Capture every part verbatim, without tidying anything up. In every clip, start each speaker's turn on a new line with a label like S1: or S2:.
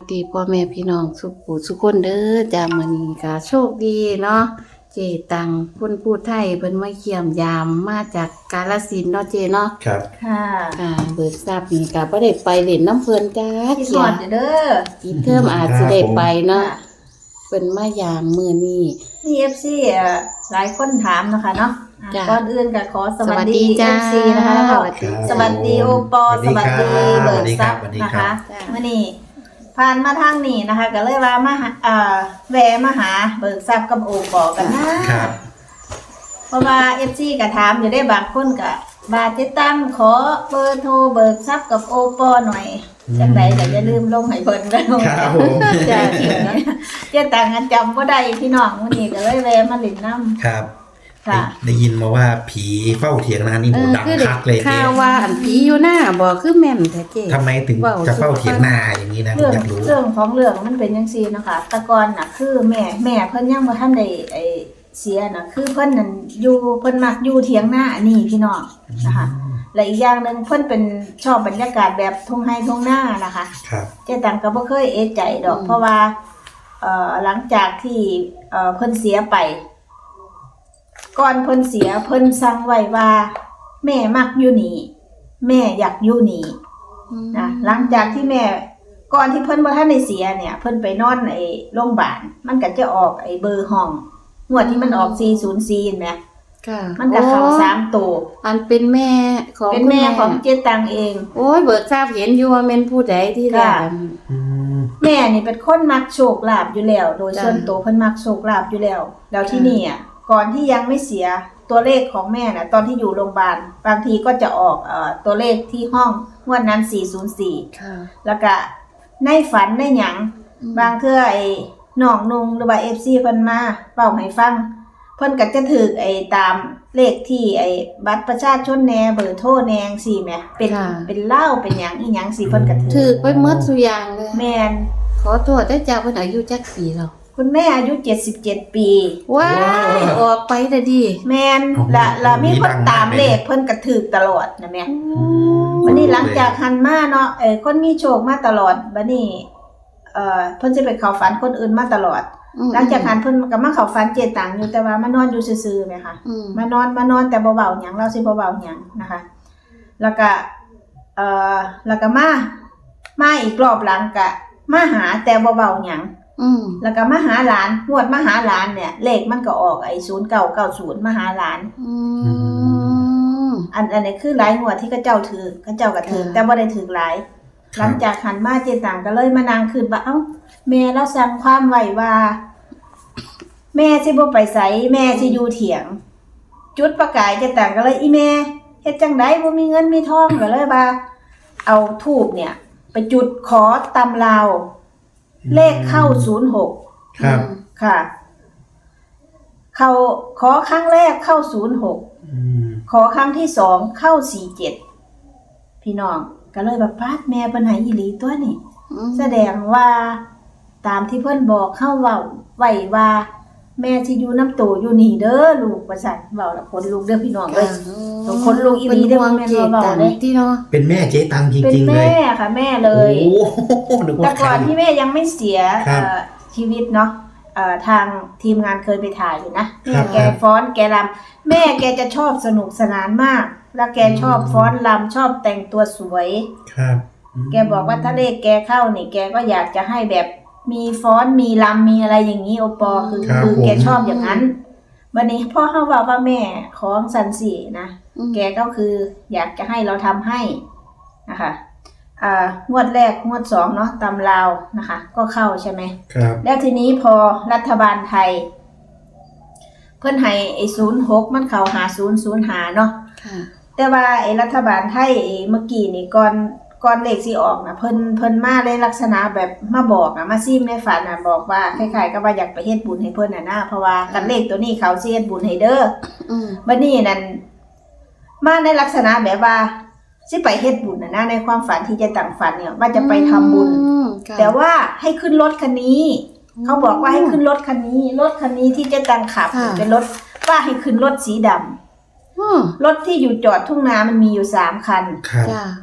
S1: ดีพ่อแม่พี่น้องสุขผู้สุขคนเด้อจ้ามื้อนี้ก็โชคดีเนาะเจตังคนพูดไทยเพิ่นมาเยี่ยมยามมาจากกาฬสินธุ์เนาะเจเนาะ
S2: ครับ
S3: ค่ะ
S1: ค่ะเบิกทราบนี่ก็บ่ได้ไปเล่นน้ำเพิ่นจ้า
S3: คิด
S1: เขี
S3: ฮ
S1: ย
S3: อดเด้อ
S1: อีกเทอมอาจสิได้ไปเนาะ
S3: ค่ะ
S1: เพิ่นมายามมื้อนี้
S3: มี เอฟ ซี เอ่อหลายคนถามนะคะเนาะอ่ะ
S1: จ้ะ
S3: ก่อนอื่นก็ขอสวัส
S1: สวัส
S3: ดี
S1: ดีจ้า
S3: เอฟ ซี นะคะแล้วก็
S1: สวัสดี
S3: สวัสดีโอปอ
S2: สวัสดี
S3: สวัสดี
S2: ครับ
S3: เบิร์ดซับ
S2: สวัสดี
S3: นะ
S2: ครั
S3: คะ
S2: บ
S1: จ้ะ
S3: มื่อนี้ผ่านมาทางนี้นะคะ ก็เลยว่ามาหาเอ่อแวะมาหาเบิร์ดซับกับโอปอกันนะครับ เพราะว่า เอฟ ซี ก็ถามอยู่ได้บางคนก็บาติดตั้งขอเบอร์โทรเบิร์ดซับกับโอปอหน่อยจังไดก็อย่าลืมลงให้เพิ่นเด้อ
S2: ครับผม
S3: จ้าเขียนนะเจ๊ตังกันจำว่าได้พี่น้องวันนี้ก็เลยแวะมาหลินน้ำ
S2: ครับ
S3: ค่ะ
S2: ได้ยินมาว่าผีเฝ้าเถียงนานี่
S1: เอ
S2: โห
S1: อ
S2: ดัง
S1: คือ
S2: คักเลย
S1: ข่า
S2: เจ๊
S1: วว่าอันผีอยู่หน้าบ่คือแม่นแท้เจ
S2: ทำไมถึง
S1: ว้าว
S2: จะเฝ้าเถียงนาอย่างนี้นะผม
S3: เรื่อง
S2: อยากรู้
S3: เรื่องของเรื่องมันเป็นยังซี่นะคะแตะกอนน่ะคือแม่แม่เพิ่นยังบ่ทันได้ไอ้เสียน่ะคือเพิ่นนั่นอยู่เพิ่นมักอยู่เถียงหน้านี่พี่น้องนะคะและอีกอย่างหนึงเพิ่นเป็นชอบบรรยากาศแบบทุ่งไร่ทุ่งนานะคะ
S2: ครับ
S3: เจ๊ตังก็บ่เคยเอะใจดอก เพราะว่าเอ่อหลังจากที่เอ่อเพิ่นเสียไป ก่อนเพิ่นเสียเพิ่นสั่งไว้ว่า แม่มักอยู่นี่แม่อยากอยู่นี่นะหลังจากที่แม่ก่อนที่เพิ่นบ่ทันได้เสียเนี่ย เพิ่นไปนอนไอ้โรงพยาบาลมันก็จะออกไอ้เบอร์ห้องงวดที่มันออกสี่ศูนย์สี่เห็นไหม
S1: ค่ะ
S3: มันก็เข้าสามตัว
S1: อันเป็นแม่ของ
S3: เป็น
S1: คุณ
S3: แม่ของเจ๊ตังเอง
S1: โอ้ยเบิกทราบเห็นอยู่ว่าแม่นผู้ใดที่แรก
S3: ค่ะ
S1: อัน
S2: อืม
S3: แม่นี่เป็นคนมักโชคลาภอยู่แล้ว โดย
S1: จ้ะ
S3: ส่วนตัวเพิ่นมักโชคลาภอยู่แล้ว แล้วที่
S1: ค่ะ
S3: นี่อ่ะก่อนที่ยังไม่เสียตัวเลขของแม่น่ะตอนที่อยู่โรงพยาบาลบางทีก็จะออกเอ่อตัวเลขที่ห้องงวดนั้นสี่ศูนย์สี่
S1: ค่ะ
S3: แล้วก็ในฝันในหยังบางเทื่อไอ้น้องนุงหรือว่า เอฟ ซี เพิ่นมาเป่าให้ฟังเพิ่นก็จะถูกไอ้ตามเลขที่ไอ้บัตรประชาชนแหน่เบอร์โทรแหน่จังซี่แหมเป็น
S1: ค่ะ
S3: เป็นเหล้าเป็นหยังอีหยังสิเพิ่นก็ถู
S1: ถื
S3: ก
S1: อไปหมดทุกอย่างเลย
S3: แม่น
S1: ขอโทษได้จากเพิ่นอายุจักปีแล้ว
S3: คุณแม่อายุเจ็ดสิบเจ็ดปี
S1: ว้ายออกไปแต่ดี
S3: แม่นละละมีคนตามเลขเพิ่นก็ถูกตลอดนะแม่ วันนี้หลังจากหันมาเนาะเออคนมีโชคมาตลอดบัดนี้เอ่อเพิ่นสิไปเข้าฝันคนอื่นมาตลอด
S1: อืม
S3: หลังจากหันเพิ่นก็มาเข้าฝันเจตังอยู่แต่ว่ามานอนอยู่ซื่อๆแม่ค่ะ
S1: อืม
S3: มานอนมานอนแต่บ่เว้าหยังเราสิบ่เว้าหยังนะคะ แล้วก็เอ่อแล้วก็มามาอีกรอบหลังก็มาหาแต่บ่เว้าหยัง
S1: อืม
S3: แล้วก็มาหาหลานงวดมาหาหลานเนี่ย เลขมันก็ออกไอ้ศูนย์เก้าเก้าศูนย์มาหาหลาน
S1: อืม
S3: อันอันนี้คือหลายงวดที่เขาเจ้าถือเขาเจ้าก็ถือ
S1: ค่ะ
S3: แต่บ่ได้ถือหลาย หลังจากหันมาเจตังก็เลยมานั่งคืนว่าเอ้าแม่เราสั่งความไว้ว่า แม่สิบ่ไปไสแม่สิอยู่เถียง จุดประกายเจตังก็เลยอีแม่เฮ็ดจังไดบ่มีเงินมีทองก็เลยว่า เอาธูปเนี่ย ไปจุดขอตำลาว เลขเข้าศูนย์หก
S2: ครับ
S3: ค่ะ เข้าขอครั้งแรกเข้าศูนย์หก
S2: อืม
S3: ขอครั้งที่สองเข้าสี่เจ็ดพี่น้องก็เลยแบบพาดแม่เพิ่นให้อีหลีตัวนี่
S1: อืม
S3: แสดงว่าตามที่เพิ่นบอกเข้าเว้าไว้ว่า แม่สิอยู่น้ำโตอยู่นี่เด้อลูกว่าซั่นเว้าแล้วคนลูกเด้อพี่น้องเอ้ย ต้องคนลูกอีหลีเด้อ
S1: เป็นห่วง
S3: แม่น
S1: เจ
S3: ว่าเบา
S1: ตัง
S3: เด้
S1: ที่เนาะ
S2: เป็นแม่เจ๊ตังจ
S3: เป็น
S2: ริงๆเลย
S3: แม่ค่ะแม่เลย
S2: โอ้โหนึก
S3: แต่
S2: ว่าใคร
S3: ก่อนที่แม่ยังไม่เสีย
S2: ครับ
S3: เอ่อชีวิตเนาะเอ่อทางทีมงานเคยไปถ่ายอยู่นะ
S2: ครั
S3: แม่
S2: บ
S3: แกฟ้อนแกรำแม่แกจะชอบสนุกสนานมาก แล้วแกชอบฟ้อนรำชอบแต่งตัวสวย
S2: ครับ
S3: แกบอกว่าถ้าเลขแกเข้านี่แกก็อยากจะให้แบบมีฟ้อนมีรำมีอะไรอย่างนี้โอปอคือ
S2: ครับ
S3: คือแก
S2: ผม
S3: ชอบอย่างนั้น วันนี้พ่อเขาบอกว่าแม่ของสันสีนะ
S1: อืม
S3: แกก็คืออยากจะให้เราทำให้นะคะอ่างวดแรกงวดสองเนาะตำลาวนะคะ ก็เข้าใช่ไหม
S2: ครับ
S3: แล้วทีนี้พอรัฐบาลไทย เพิ่นให้ไอ้ศูนย์หกมันเข้าหาศูนย์ศูนย์หาเนาะ
S1: ค่ะ
S3: แต่ว่าไอ้รัฐบาลไทยไอ้เมื่อกี้นี่ก่อนก่อนเลขสิออกนะเพิ่นเพิ่นมาในลักษณะแบบมาบอกอะมาซิมในฝันน่ะบอกว่าคล้ายๆกับว่าอยากไปเฮ็ดบุญให้เพิ่นน่ะนะเพราะว่ากันเลขตัวนี้เขาสิเฮ็ดบุญให้เด้อ
S1: อืม
S3: บัดนี้นั่นมาในลักษณะแบบว่าสิไปเฮ็ดบุญน่ะนะในความฝันที่จะตั้งฝันเนี่ยว่าจะไปทำบุญ
S1: อืมค่ะ
S3: แต่ว่าให้ขึ้นรถคันนี้ เขาบอกว่าให้ขึ้นรถคันนี้ รถคันนี้ที่เจะตังขับ
S1: ค่ะ
S3: เป็นรถว่าให้ขึ้นรถสีดำ
S1: อืม
S3: รถที่อยู่จอดทุ่งนามันมีอยู่สามคัน
S2: ครับ
S3: ม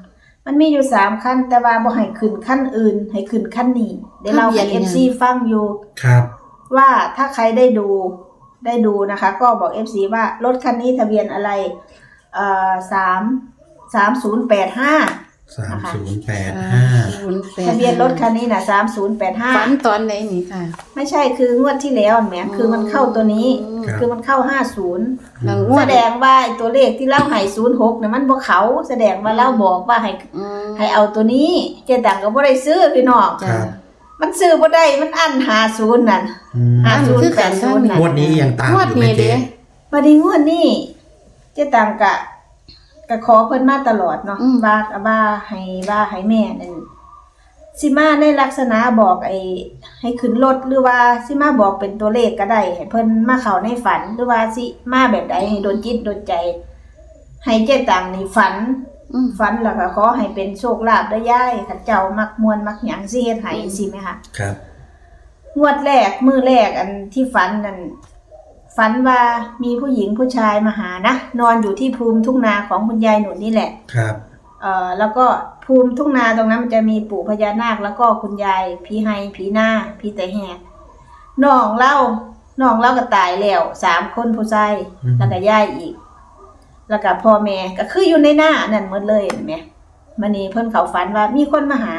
S3: มันมีอยู่สามขั้นแต่ว่าบ่ให้ขึ้นขั้นอื่นให้ขึ้นขั้นนี้เดี๋ยวเราให้ เอฟ ซี ฟังอยู่
S2: ครับ
S3: ว่าถ้าใครได้ดูได้ดูนะคะ ก็บอก เอฟ ซี ว่ารถคันนี้ทะเบียนอะไรเอ่อสามสามศูนย์แปดห้า
S2: สามศูนย์แปดห้า
S1: ศูนย์แปด
S3: ทะเบียนรถคันนี้น่ะสามศูนย์แปดห้า
S1: ฝันตอนไหนนี่ค่ะ
S3: ไม่ใช่คืองวดที่แล้วแหมคือมันเข้าตัวนี้
S2: ครับ
S3: คือมันเข้าห้าศูนย์
S1: หลังงว
S3: แส
S1: ด
S3: ดงว่าไอ้ตัวเลขที่เล่าให้ศูนย์หกเนี่ยมันบ่เขาแสดงว่าเล่าบอกว่าให้
S1: อืม
S3: ให้เอาตัวนี้เจตังก็บ่ได้ซื้อพี่น้อง
S1: จ้ะ
S3: มันซื้อบ่ได้มันอั้นห้าศูนย์นั่น
S2: อืม
S3: ห้าศูน
S1: คื
S3: ย์
S1: อ
S3: แป
S1: กั
S3: ด
S1: น
S3: ศูนย์นั่น
S2: งวดนี้ยังตาม
S1: งวด
S2: อยู่ไหม
S1: นี้
S2: เจ๊
S1: เด้
S3: บัดนี้งวดนี้เจตังกะก็ขอเพิ่นมาตลอดเนาะ
S1: อืม
S3: ว่าว่าให้ว่าให้แม่นั่นสิมาในลักษณะบอกไอ้ให้ขึ้นรถหรือว่าสิมาบอกเป็นตัวเลขก็ได้ให้เพิ่นมาเข้าในฝันหรือว่าสิมาแบบใดให้โดนจิตโดนใจ ให้เจตังนี่ฝัน
S1: อืม
S3: ฝันแล้วก็ขอให้เป็นโชคลาภได้ย่ายข้าเจ้ามักมวนมักหยังสิเฮ็ดให้สิไหมคะ
S2: ครับ
S3: งวดแรกมื้อแรกอันที่ฝันนั่นฝันว่ามีผู้หญิงผู้ชายมาหานะนอนอยู่ที่ภูมิทุ่งนาของคุณยายหนุนนี่แหละ
S2: ครับ
S3: เอ่อแล้วก็ภูมิทุ่งนาตรงนั้นมันจะมีปู่พญานาคแล้วก็คุณยายผีไฮผีหน้าผีแต่แหกน้องเล่าน้องเล่าก็ตายแล้วสามคนผู้ชายแล้วก็ยายอีก แล้วก็พ่อแม่ก็คืออยู่ในหน้านั่นหมดเลยเห็นไหมมันนี่เพิ่นเขาฝันว่ามีคนมาหา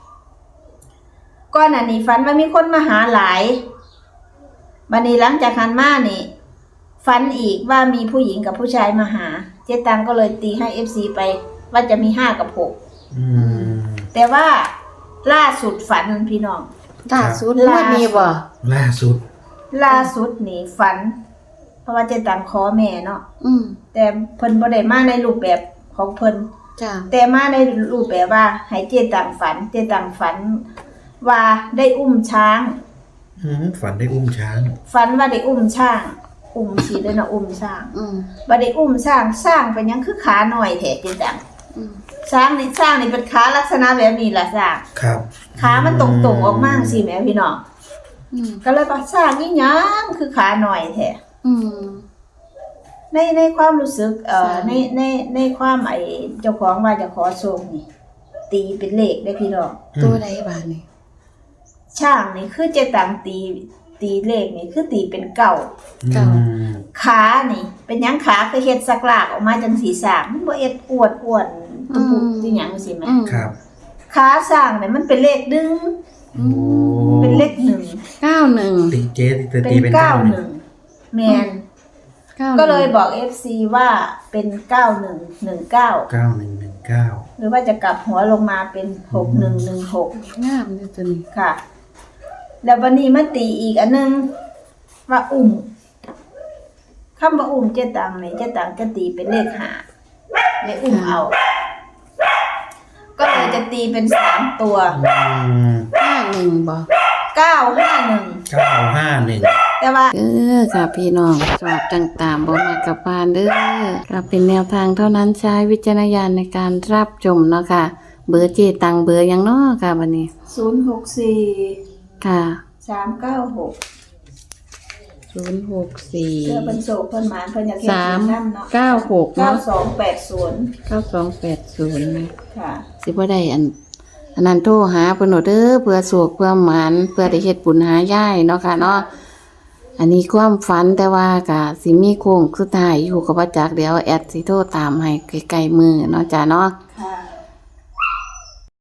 S3: ก่อนหน้านี้ฝันว่ามีคนมาหาหลายบัดนี้หลังจากหันมานี่ฝันอีกว่ามีผู้หญิงกับผู้ชายมาหา เจ๊ตังก็เลยตีให้ เอฟ ซี ไปว่าจะมีห้ากับหก
S2: อืม
S3: แต่ว่าล่าสุดฝันพี่น้อง
S1: ล่าสุดงวดนี้บ่
S2: ล่าสุด
S3: ล่าสุดนี่ฝัน เพราะว่าเจ๊ตังขอแม่เนาะ
S1: อืม
S3: แต่เพิ่นบ่ได้มาในรูปแบบของเพิ่น
S1: จ้ะ
S3: แต่มาในรูปแบบว่าให้เจตังฝัน เจตังฝันว่าได้อุ้มช้าง
S2: อืมฝันได้อุ้มช้าง
S3: ฝันว่าได้อุ้มช้าง อุ้มสิเลยนะอุ้มช้าง
S1: อืม
S3: ว่าได้อุ้มช้างสร้างเป็นหยังคือขาหน่อยแท้เจตัง
S1: อืม
S3: ช้างนี่สร้างนี่เป็นขาลักษณะแบบนี้ล่ะสร้าง
S2: ครับ
S3: ขามันตรงๆออกมาสิแม่พี่น้อง
S1: อืม
S3: ก็เลยว่าสร้างนี่หยังคือขาหน่อยแท้
S1: อืม
S3: ในในความรู้สึกเอ่อ
S1: ใช่
S3: ในในในความไอ้เจ้าของว่าจะขอโชคนี่ ตีเป็นเลขได้พี่น้อง
S1: ตัวใดบาดนี่
S3: ช่างนี่คือเจตังตีตีเลขนี่คือตีเป็นเก่า
S2: อืม
S3: ขานี่ เป็นหยังขาคือเฮ็ดสักลากออกมาจังสีสร้างมันบ่เอ็ดอวดอ้วนตุปุสิหยังสิแม่
S1: อืม
S2: ครับ
S3: ขาสร้างนี่มันเป็นเลขดึง
S2: โอ้
S3: เป็นเลขหนึ่ง
S1: เก้าหนึ่ง
S2: ตีเจ๊ตี
S3: เป็น
S2: ตีเป็น
S3: เก้า
S2: เก้า
S3: ห
S2: หนึ่
S3: นึ่
S2: ง
S3: งแม่น
S1: เก้า
S3: ก็เลยบอก เอฟ ซี ว่าเป็นเก้าหนึ่งหนึ่งเก้า
S2: เก้าหนึ่งหนึ่งเก้า
S3: หรือว่าจะกลับหัวลงมาเป็นหกหนึ่งหนึ่งหก
S1: งามเลยตัวนี้
S3: ค่ะ แล้ววันนี้มาตีอีกอันนึงว่าอุ่มคำว่าอุ่มเจตังเนี่ยเจตังจะตีเป็นเลขหาเลยอุ่มเอา ก็เลยจะตีเป็นสามตัว
S2: อืม
S1: ห้าหนึ่งบ่
S3: เก้าห้าหนึ่ง
S2: เก้าห้าหนึ่ง
S3: แต่ว่า
S1: เออค่ะพี่น้องสอบต่างๆบ่มากับพานเด้อก็เป็นแนวทางเท่านั้นใช้วิจารณญาณในการรับชมเนาะค่ะ เบอร์เจตังเบอร์หยังเนาะค่ะบัดนี้
S3: ศูนย์หกสี่
S1: ค่ะ
S3: สามเก้าหก
S1: ศูนย์หกสี่
S3: เพื่อเป็นโศกเพิ่นหมานเพิ่นอยากเห็น
S1: สาม
S3: นั่นเนาะ
S1: เก้าหก
S3: เก้า
S1: เนาะ
S3: สองแปดศูนย์
S1: เก้าสองแปดศูนย์นะ
S3: ค่ะ
S1: สิบ่ได้อัน อันนั้นโทรหาเพิ่นโหนเด้อเพื่อสวกเพื่อหมานเพื่อได้เฮ็ดบุญหายายเนาะค่ะเนาะอันนี้ความฝันแต่ว่าก็สิมีโค้งสุดท้ายอยู่กับว่าจักเดี๋ยวแอดสิโทรตามให้ใกล้ๆมือเนาะจ้ะเนาะ